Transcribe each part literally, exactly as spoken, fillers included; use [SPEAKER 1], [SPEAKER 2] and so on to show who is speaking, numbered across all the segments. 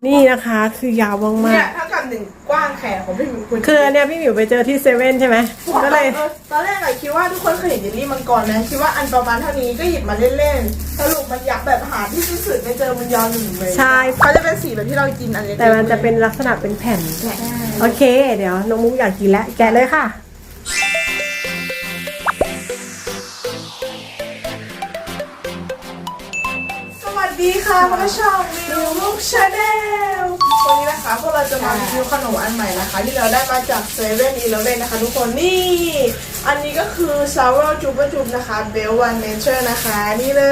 [SPEAKER 1] นี่นะคะคือยาวมาก
[SPEAKER 2] เนี่ยถ้ากับหนึ่งกว้างแขนของพี่หมิวคุณ
[SPEAKER 1] ๆคือเนี่ยพี่หมิวไปเจอที่เซเว่นใช่ไหมก็เลย
[SPEAKER 2] ตอนแรกอะคิดว่าทุกคนเคยเห็นเยลลี่มังกรนะคิดว่าอันประมาณเท่านี้ก็หยิบมาเล่นๆสรุปมันยักษ์แบบหาที่สุดไม่เจอมันยาวหนึ่งเลย
[SPEAKER 1] ใช่
[SPEAKER 2] เขาจะเป็นสีแบบที่เรากินอันเล็กๆ
[SPEAKER 1] แต่มันจะเป็นลักษณะเป็นแผ่นโอเคเดี๋ยวน้องมุกอยากกินแล้วแกะเลยค่ะ
[SPEAKER 2] สวัสดีค่ะพวกเราช่องมิวมุกชาแนลวันนี้นะคะพวกเราจะมารีวิวขนมอันใหม่นะคะที่เราได้มาจากเซเว่นอีเลฟเว่นนะคะทุกคนนี่อันนี้ก็คือซาวร์จูบจูบนะคะเบลวันเนเจอร์นะคะนี่เลย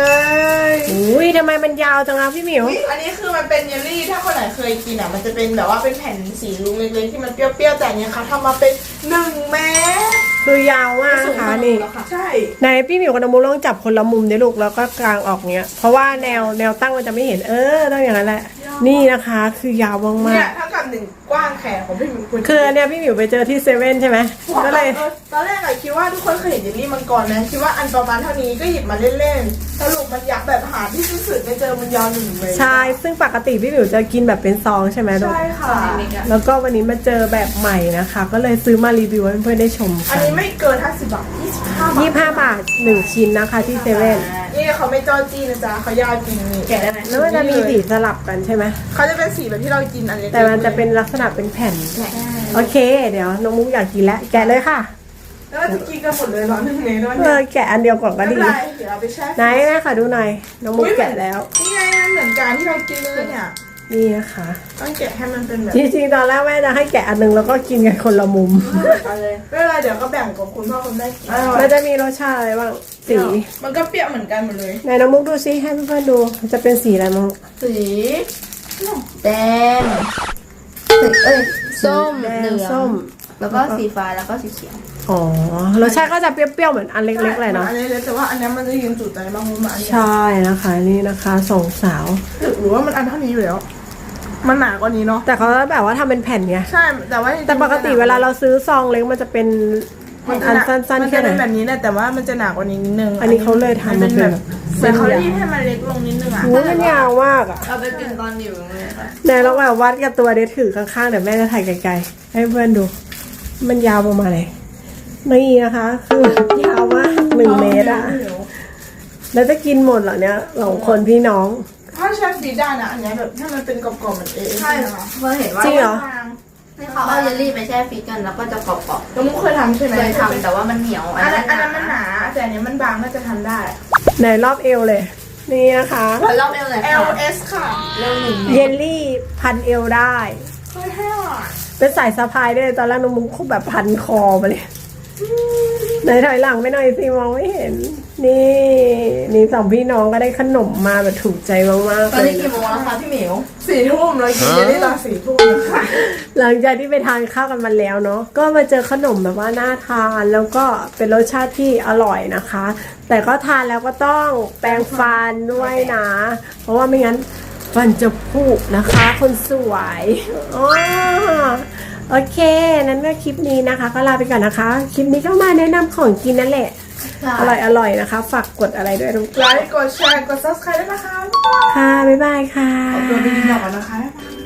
[SPEAKER 1] อุ้ยทำไมมันยาวจังนะพี่หมิว
[SPEAKER 2] อันนี้คือมันเป็นเยลลี่ถ้าคนไหนเคยกินอ่ะมันจะเป็นแบบว่าเป็นแผ่นสีลุงเล็กๆที่มันเปรี้ยวๆแต่อันเนี้ยค่ะทำมาเป็นหนึ่งเม็ด
[SPEAKER 1] คือยาวมากนะคะนี่
[SPEAKER 2] ใช่
[SPEAKER 1] ไหนพี่หมิวกับน้องมุกลองจับคนละมุมดิลูกแล้วก็กลางออกเนี้ยเพราะว่าแนวแนวตั้งมันจะไม่เห็นเออต้องอย่างนั้นแหละนี่นะคะคือยาวมา
[SPEAKER 2] เนี่
[SPEAKER 1] ก
[SPEAKER 2] ยถ้ากับหนึ่งกว้างแขนของพี่หมิวคุณ
[SPEAKER 1] ๆคือเนี่ยพี่หมิวไปเจอที่เซเว่นใช่ไหมก็เลย
[SPEAKER 2] ตอนแรกอะคิดว่าทุกคนเคยเห็นเยลลี่มังกรนะคิดว่าอันประมาณเท่านี้ก็หยิบมาเล่นๆสรุปมันยักษ์แบบหาที่สุดไม่เจอมันยาวหนึ่งเลย
[SPEAKER 1] ใช่ซึ่งปกติพี่หมิวจะกินแบบเป็นซองใช่ไหมลูก
[SPEAKER 2] ใช่ค่ะ
[SPEAKER 1] แล้วก็วันนี้มาเจอแบบใหม่นะคะ ก็เลยซื้อมารีวิวให้เพื่อนๆได้ชม
[SPEAKER 2] อั
[SPEAKER 1] กัน น
[SPEAKER 2] นี้ไม่เกินห้าสิบบาทยี่สิบห้าบาท
[SPEAKER 1] ยี่สิบห้าบาทหนึ่งชิ้นนะคะที่เซเว่น
[SPEAKER 2] นี่เขาไม่จ้อจี้นะจ๊ะเขายาวจริงนี่แกะได้ไหม
[SPEAKER 1] แล้วมันจะมีสีสลับกันใช่ไหม
[SPEAKER 2] เขาจะเป็นสีแบบที่เรากินอันเล็กๆ
[SPEAKER 1] แต่มันจะเป็นลักษณะเป็นแผ่นโอเคเดี๋ยวน้องมุกอยากกินแล้วแกะเลยค่ะ
[SPEAKER 2] แล้วเราจะกินกันหมดเลยเหร้อนหนึ่งเมตรด้วย
[SPEAKER 1] เออแกะอันเดียวก่อนก็
[SPEAKER 2] ไม่
[SPEAKER 1] ดี
[SPEAKER 2] เป็นไรเดี๋ยวเราไปแช่
[SPEAKER 1] ไหนแม่ค่ะดูหน่อยน้องมุกแกะแล้ว
[SPEAKER 2] นี่ไงมันเหมือนกันที่เรากินเลยเนี่ย
[SPEAKER 1] นี่นะคะ
[SPEAKER 2] ต้องแกะให้มันเป็นแบบ
[SPEAKER 1] จริงๆตอนแรกแม่จะให้แกะอันนึงแล้วก็กินกันคนละมุม
[SPEAKER 2] เอาเลยไม่เป็นไรเดี๋ยวก็แบ่งกับคุณพ่อคุณแม่กิน
[SPEAKER 1] มันจะมีรสชาติอะไรบ้างสี
[SPEAKER 2] มันก็เปรี้ยวเหมือนกันหมดเลย
[SPEAKER 1] ไหนน้องมุกดูซิให้เพื่อนๆดูจะเป็นสีอะไรมั้ง
[SPEAKER 2] สี
[SPEAKER 3] แดงเอ้ยส้ม
[SPEAKER 1] แด
[SPEAKER 3] เหลื
[SPEAKER 1] ง
[SPEAKER 3] อง
[SPEAKER 1] ส้ม
[SPEAKER 3] แล้วก็สีฟ้าแล้วก็สีเขียว
[SPEAKER 1] อ๋อรสชาติก็จะเปรี้ยวๆเหมือนอันเล็กๆเลยเนาะ
[SPEAKER 2] อันนี้เลยแต่ว่าอันนี้มันจะยืนจุดใจบางมุมอันนี้
[SPEAKER 1] ใช่นะคะนี่นะคะสองสาว
[SPEAKER 2] หรือว่ามันอันเท่านี้อยู่แล้วมันหนากว่านี้เนาะ
[SPEAKER 1] แต่เขาแบบว่าทำเป็นแผ่นไง
[SPEAKER 2] ใช่แต่ว่า
[SPEAKER 1] แต่ปกติเวลาเราซื้อซองเล็กมันจะเป็นอันสั้นๆแค่ไหน
[SPEAKER 2] มันจะเป็นแบบนี้แหละแต่ว่ามันจะหนากว่านี้นิดนึง
[SPEAKER 1] อันนี้เขาเลยทำ
[SPEAKER 2] มันเป็นแบบ
[SPEAKER 1] เส้
[SPEAKER 2] เหมือน
[SPEAKER 1] น
[SPEAKER 2] เขา
[SPEAKER 1] ยาว
[SPEAKER 2] รีดให้มันเล็กลงนิดนึงอ่ะ
[SPEAKER 1] โอ้ยมันยาวมากอ่ะ
[SPEAKER 3] เอาไปกินตอนอยู่โรงเรียนค่ะ
[SPEAKER 1] ไหนเราแบบวัดกับตัวเดี๋ยวถือข้างๆเดี๋ยวแม่จะถ่ายไกลๆให้เพื่อนดู มันยาวประมาณไหนนี่นะคะคือยาวมากหนึ่งเมตรอ่ะแล้วจะกินหมดเหรอเนี่ยสองคนพี่น้อง
[SPEAKER 2] ถ้าใช้ฟรีดได้นะอันนี้แบบถ้ามันเป็นกรอบๆเหมือนเอเอ
[SPEAKER 3] ใช่
[SPEAKER 2] นะคะ
[SPEAKER 3] เมื่อเห็นว่า
[SPEAKER 1] จริงเหรอ
[SPEAKER 3] ให้เขาเอาเยลลี่ไปแช่ฟรีซกันแล้วก็จะกรอบ
[SPEAKER 2] น้องมุกเคยทำใช่ไหม
[SPEAKER 3] ๆเคยทำแต่ว่ามันเหนียว
[SPEAKER 2] อันนั้นอันนั้นมันหนาแต่อันนี้มันบางน่าจะทำได้
[SPEAKER 1] ไหนรอบเอวเลย นี่นะคะ
[SPEAKER 3] ขอรอบเอวเลย
[SPEAKER 2] L
[SPEAKER 3] ค่ะ
[SPEAKER 2] S ค่ะ
[SPEAKER 3] เร็วหนึ่ง
[SPEAKER 1] เยลลี่พันเอวได้
[SPEAKER 2] เฮ้ยแห้อ่ะ
[SPEAKER 1] เป็นสายสะพายด้วยตอนแรกน้องมุกคบแบบพันคอมาเลยไหนถอยหลังไปหน่อยสิมองไม่เห็น นี่นี่สองพี่น้องก็ได้ขนมมาแบบถูกใจมากๆ
[SPEAKER 3] ตอน
[SPEAKER 1] เล
[SPEAKER 3] นี้
[SPEAKER 1] ย
[SPEAKER 3] กี่โมงแล้วคะพี่หมิว
[SPEAKER 2] สี่ทุ่มเรากินเยลลี่ตอนสี่ทุ่มนะคะ
[SPEAKER 1] หลังจากที่ไปทานข้าวกันมาแล้วเนาะก็มาเจอขนมแบบว่าน่าทานแล้วก็เป็นรสชาติที่อร่อยนะคะ แต่ก็ทานแล้วก็ต้องแปรงฟันด้วยนะ เพราะว่าไม่งั้นฟันจะผุนะคะ คนสวยอ๋อโอเคนั้นก็คลิปนี้นะคะ ก็ลาไปก่อนนะคะ คลิปนี้ก็มาแนะนำของกินนั่นแหละ อร่อยอร่อยนะคะ ฝากกดอะไรด้วยทุก
[SPEAKER 2] ไลค์กดแชร์กด ซับสไครบ์ ด้วยนะคะ
[SPEAKER 1] ค่ะ บ๊ายบายค่ะ
[SPEAKER 2] ขอบคุณพี่หน่อยนะคะ